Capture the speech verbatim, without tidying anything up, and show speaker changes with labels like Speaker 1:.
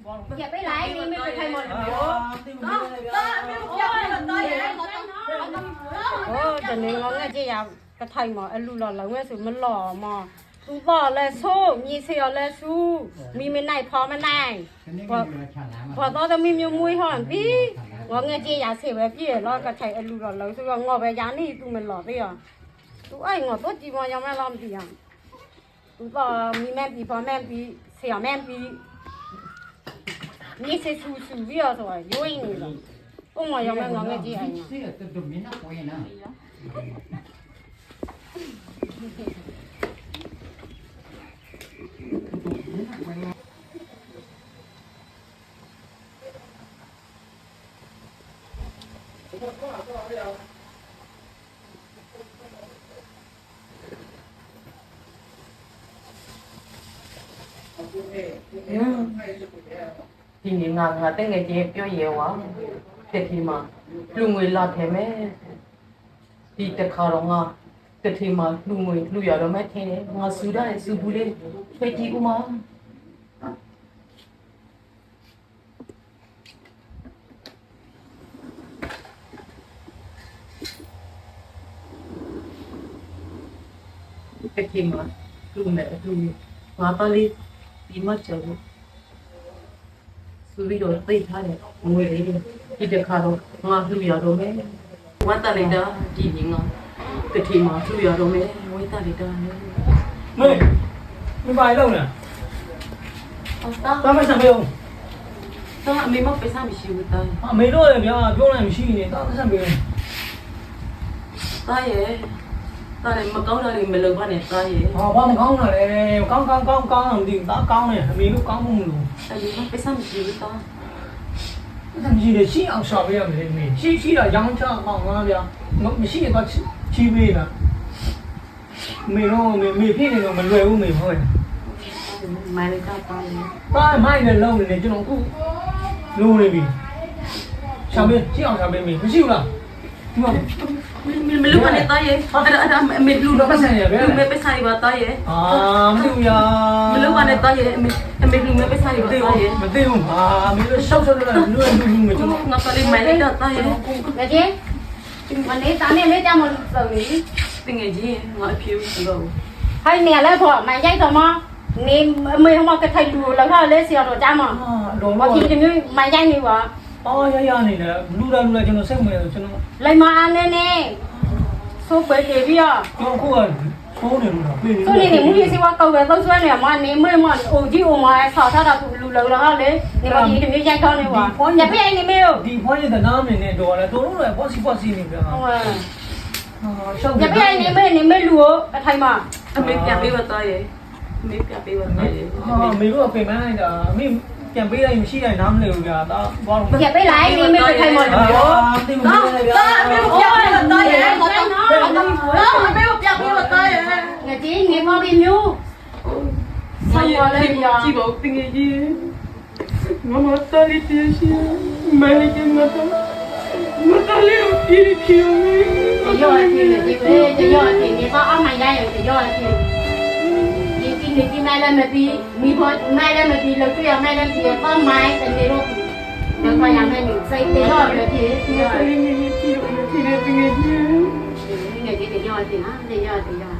Speaker 1: อย่าไปไล่นี่ไม่ไปใครหมดเลยก็ก็ไม่รู้อย่าไปแบบตายเลยโอ้แต่เนี่ยเราเนี่ยจะอยากกระไทยหมอไอ้ลูหล่อเราเนี่ยสุดมันหล่อหมอตูบอกเลยสู้มีเสียวเลยสู้มีไม่ไหนพอไม่ไหนพอพอตอนจะมีมีมวยหอนพี่ว่าเนี่ยจะอยากเสียแบบพี่แล้วกระไทยไอ้ลูหล่อเราสู้งอไปยานี่ตูมันหล่อพี่อ่ะตูไอ้งอตัวจีบมันยังไม่ล้อมพี่อ่ะตูบอกมีแม่พี่พอแม่พี่เสียแม่พี่你是出手不要说，有人了，我嘛要买我个姐哎呀。这个都都没那贵呢。
Speaker 2: 嗯。ဒီနေ့ငါငါတကယ်ကြီးပြောရဲဝါတက်ထီမှာလူငွေလာထဲမဲ့ဒီတခါတော့ငါတက်ထီမှာလူငွေလူရတော့မဲ့ထင်းငါစူရတဲ့စူဘူးလေးထွေးကြည့်ဦးမတက်ထီမှာလူနဲ့လူငါပါလေးဒီမှာကျတော့သူပြီးတော့သိထားတယ်ငွေလေးဒီတစ်ခါတော့ငါလှူရတော့မယ်ဝတ်တလိုက်တာဒီနေ့ငါကတိမှာလှူရတော့မယ်ဝတ်တလိုက်တာမေ
Speaker 3: မပါတော့နဲ့
Speaker 2: ဟုတ်တာ
Speaker 3: တော့မဆက်မေးအောင်
Speaker 2: တော့အမေမပစားမရှိဘူးတာ
Speaker 3: အမေတို့လည်းဗျာပြောလိုက်မရှိနေတော့ဆက်မေး
Speaker 2: တာရဲ့တာလည်းမကောင်းတာတွေမလုပ်ပါနဲ့တာရဲ့
Speaker 3: ဟာဘာမကောင်းတာလဲကောင်းကောင်းကောင်းကောင်းတော့မသိဘူးဒါကောင်းတယ်အမေတို့ကောင်းမှုမလို့
Speaker 2: အမေမပစားမရှိဘူးတာ
Speaker 3: အဲ့ဒါကြီးလေရှိအောင်ရှာပေးရမယ်မေရှိရှိတာရောင်းချအောင်ငါဗျာမရှိရင်တော့ချီးပေးတာမေတော့မေမေဖြစ်နေတော့မလွယ်ဘူးမေဟုတ်ရဲ့
Speaker 2: မိုင်းကပါလေ
Speaker 3: ပါမိုင်းလည်းလုံးနေတယ်ကျွန်တော်အခုလုံးနေပြီရှာပေးရှိအောင်ရှာပေးမေမရှိဘူးလားဒီမှာ
Speaker 2: မမလုပ်ပါနဲ့တာရဲ့အဲ့ဒါအဲ့ဒါအမေလူ
Speaker 3: တော့ပတ်စံရပဲ
Speaker 2: လူမဲပစားရပါတာရဲ့
Speaker 3: အာမသိဘူးယာ
Speaker 2: မလုပ်ပါနဲ့တာရဲ့အမေအမေလူမဲပစားရပါတာရဲ့
Speaker 3: မသိဘူးဟာမင်းတို့ရှောက်ရှောက်လို့လူလူလူမကျွန်တော်
Speaker 2: ငါကလေးမိုင်းလိုက်တာရဲ့
Speaker 1: 那姐，我那咱们没这么走的。
Speaker 2: တင်ငယ်ကြီးငါအဖြူလို့
Speaker 1: 还你来婆买菜什么？你没什么个态度，然后来小罗家嘛？
Speaker 3: တော့
Speaker 1: 我听见没买菜你话？
Speaker 3: အော်ရရနေတယ်လူလာလူလာကျွန်တော်စိတ်ဝင်တယ်ကျွန်တော်
Speaker 1: 来嘛安呢呢？说白这边啊。
Speaker 3: ကျွန်တော်ခုကဖိုးနေလို့ပြေးနေ
Speaker 1: 所以你母亲是我搞的都算了嘛，你没嘛，我就我嘛炒炒到路路然后嘞，你把你的没菜炒呢话，也不然你没有。
Speaker 3: ဒီဖွားရတဲ့နားမင်းနဲ့တော့လေတို့တို့လည်းပေါ့စီပေါ့စီနေကြတာ
Speaker 1: ဟုတ်ဟာရှောက်也不然你没你没路အထိုင်မှာ
Speaker 2: အမေပြန်ပေးပါတော့ရဲ့အမေပြန်ပေးပါတော့ရဲ့
Speaker 3: ဟာမေတို့ကပြင်ပန်းလိုက်တာအမေပြန်ပေးလိုက်မရှိတိုင်းနားမလဲဘူးကြာဒါဘာလို့
Speaker 1: อย่าไปไล่นี่ไม่ไปထိုင်မှာလို့
Speaker 3: ဟာတိမလို့လေဗျာ
Speaker 1: အမေပြန်ပေးပါတော့ရဲ့တော့တော့အမေပြန်ပေးပါတော့ရဲ့ငါဒီငေမော်ဘီမျိုး
Speaker 2: ဆိုင်ရလေကြည့်ပါတင်ငယ်ကြီးမမတားလေးတည်းရှိမဲလေးကငါတော့မတားလေးကိုပြေးပြေး
Speaker 1: ရောအချင်းဒီပဲရောအချင်းဒီတော့အမှန်ရရရောအချင်းဒီဒီဒီမဲလည်းမပြီးမိဖို့မဲလည်းမပြီးလို့ပြရမဲလည်းပြီးတော့မိုင်းတနေတော့တော့ခရမယ်စိတ်တရောလည်းဖြစ်ရော
Speaker 2: တင်ငယ်ကြီးကြည့်လို့ဖြစ်တယ်တင်ငယ်ကြီး
Speaker 1: ငယ်ကြီးတရောအချင်းဟာတရောတရော